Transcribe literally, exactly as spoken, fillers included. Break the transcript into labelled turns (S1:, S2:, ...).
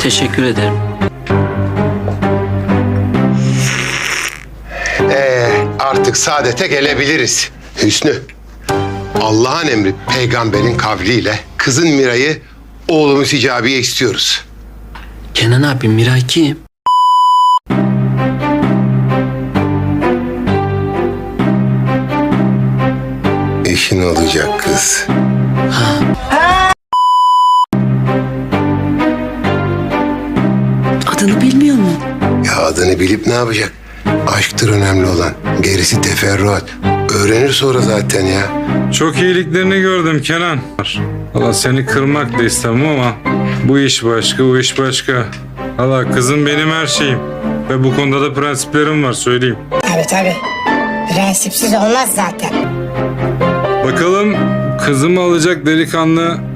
S1: Teşekkür ederim.
S2: Ee, artık saadete gelebiliriz. Hüsnü, Allah'ın emri peygamberin kavliyle kızın Miray'ı oğlumuz Hicabi'ye istiyoruz.
S1: Kenan abi, Miray kim?
S2: Eşin olacak kız.
S3: Adını bilmiyor mu?
S2: Ya adını bilip ne yapacak? Aşktır önemli olan. Gerisi teferruat. Öğrenir sonra zaten ya.
S4: Çok iyiliklerini gördüm Kenan. Allah seni kırmak da istemem ama bu iş başka, bu iş başka. Allah kızım benim her şeyim. Ve bu konuda da prensiplerim var söyleyeyim.
S5: Tabii tabii. Prensipsiz olmaz zaten.
S4: Bakalım kızımı alacak delikanlı